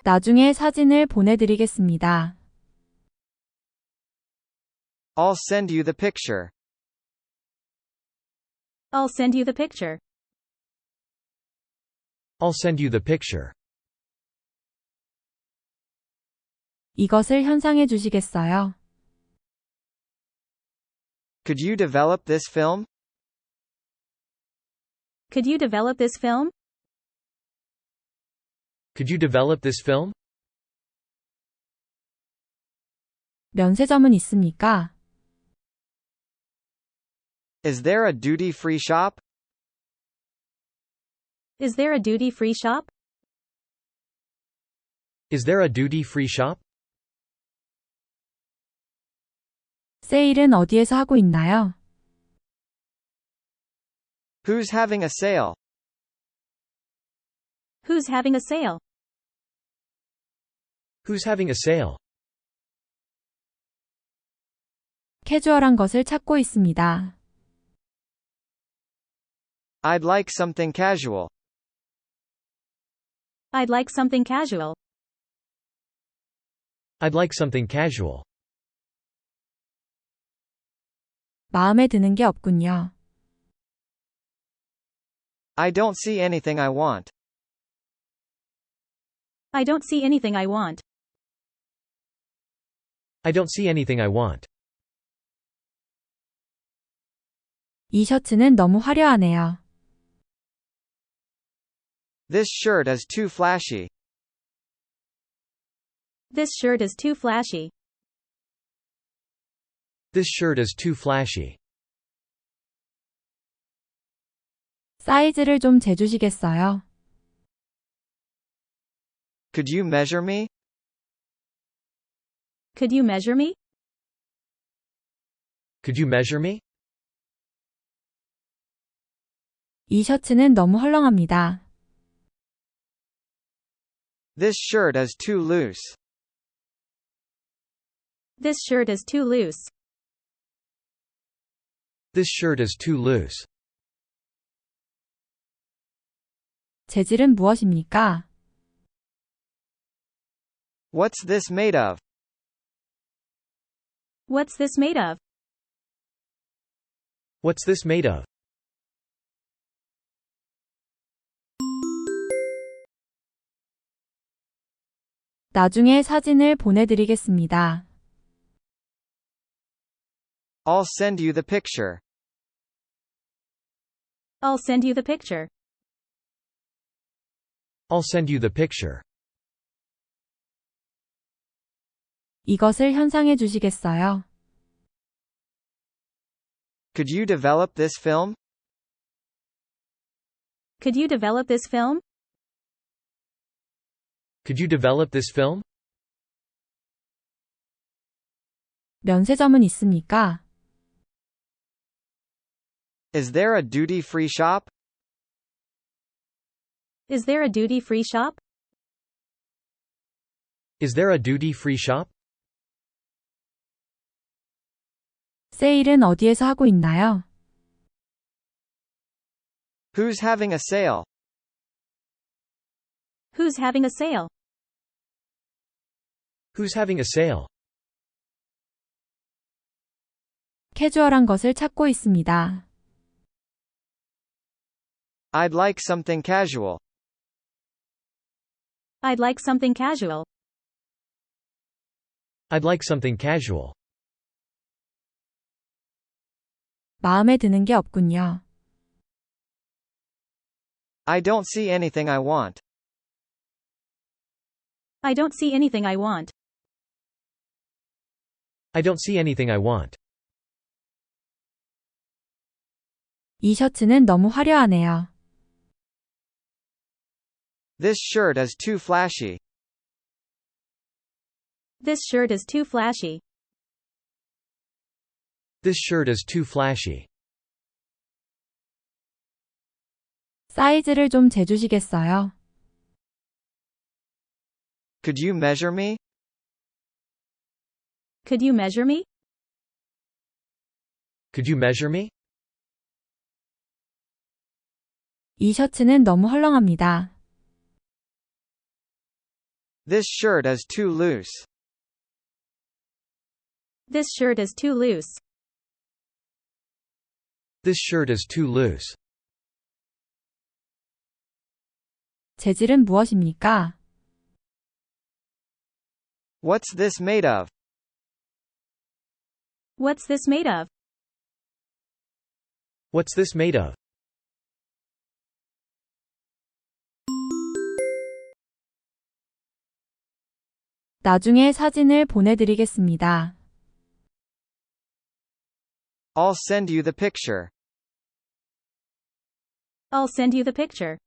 나중에 사진을 보내드리겠습니다. I'll send you the picture. I'll send you the picture. I'll send you the picture. 이것을 현상해 주시겠어요? Could you develop this film? Could you develop this film? Could you develop this film? 면세점은 있습니까? Is there a duty-free shop? Is there a duty-free shop? Is there a duty-free shop? 세일은 어디에서 하고 있나요? Who's having a sale? Who's having a sale? Who's having a sale? 캐주얼한 것을 찾고 있습니다. I'd like something casual. I'd like something casual. I'd like something casual. 마음에 드는 게 없군요. I don't see anything I want. I don't see anything I want. I don't see anything I want. 이 셔츠는 너무 화려하네요. This shirt is too flashy. This shirt is too flashy. This shirt is too flashy. 사이즈를 좀 재주시겠어요? Could you measure me? Could you measure me? Could you measure me? 이 셔츠는 너무 헐렁합니다. This shirt is too loose. This shirt is too loose. This shirt is too loose. 재질은 무엇입니까? What's this made of? What's this made of? What's this made of? 나중에 사진을 보내드리겠습니다. I'll send you the picture. I'll send you the picture. I'll send you the picture. 이것을 현상해 주시겠어요? Could you develop this film? Could you develop this film? Could you develop this film? 면세점은 있습니까? Is there a duty-free shop? Is there a duty-free shop? Is there a duty-free shop? 세일은 어디에서 하고 있나요? Who's having a sale? Who's having a sale? Who's having a sale? 캐주얼한 것을 찾고 있습니다. I'd like something casual. I'd like something casual. I'd like something casual. 마음에 드는 게 없군요. I don't see anything I want. I don't see anything I want. I don't see anything I want. 이 셔츠는 너무 화려하네요. This shirt is too flashy. This shirt is too flashy. This shirt is too flashy. 사이즈를 좀 재주시겠어요? Could you measure me? Could you measure me? Could you measure me? 이 셔츠는 너무 헐렁합니다. This shirt is too loose. This shirt is too loose. This shirt is too loose. 재질은 무엇입니까? What's this made of? What's this made of? What's this made of? 나중에 사진을 보내드리겠습니다. I'll send you the picture. I'll send you the picture.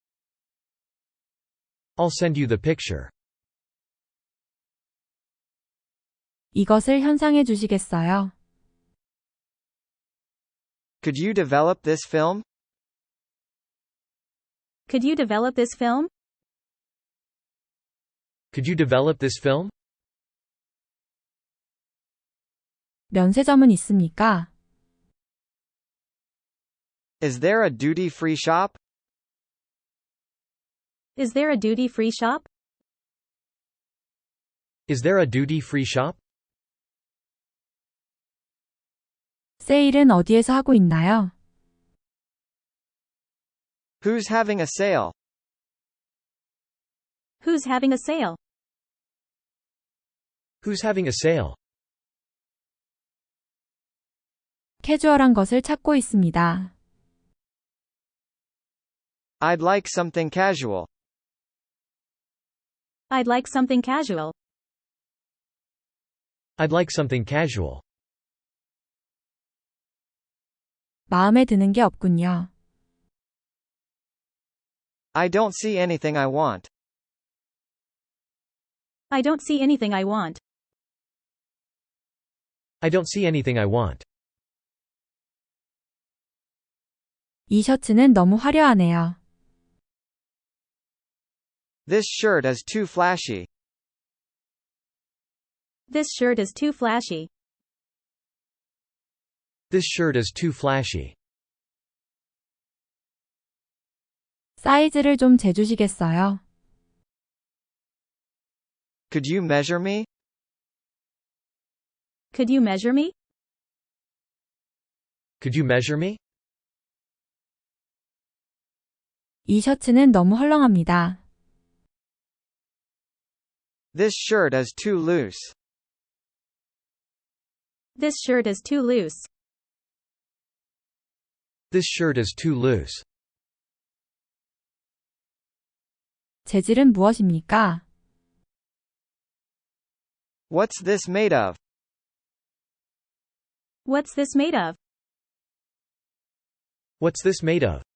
I'll send you the picture. 이것을 현상해 주시겠어요? Could you develop this film? Could you develop this film? Could you develop this film? 면세점은 있습니까? Is there a duty-free shop? Is there a duty-free shop? Is there a duty-free shop? 세일은 어디에서 하고 있나요? Who's having a sale? Who's having a sale? Who's having a sale? 캐주얼한 것을 찾고 있습니다. I'd like something casual. I'd like something casual. I'd like something casual. 마음에 드는 게 없군요. I don't see anything I want. I don't see anything I want. I don't see anything I want. 이 셔츠는 너무 화려하네요. This shirt is too flashy. This shirt is too flashy. This shirt is too flashy. 사이즈를 좀 재주시겠어요? Could you measure me? Could you measure me? Could you measure me? 이 셔츠는 너무 헐렁합니다. This shirt is too loose. This shirt is too loose. This shirt is too loose. 재질은 무엇입니까? What's this made of? What's this made of? What's this made of?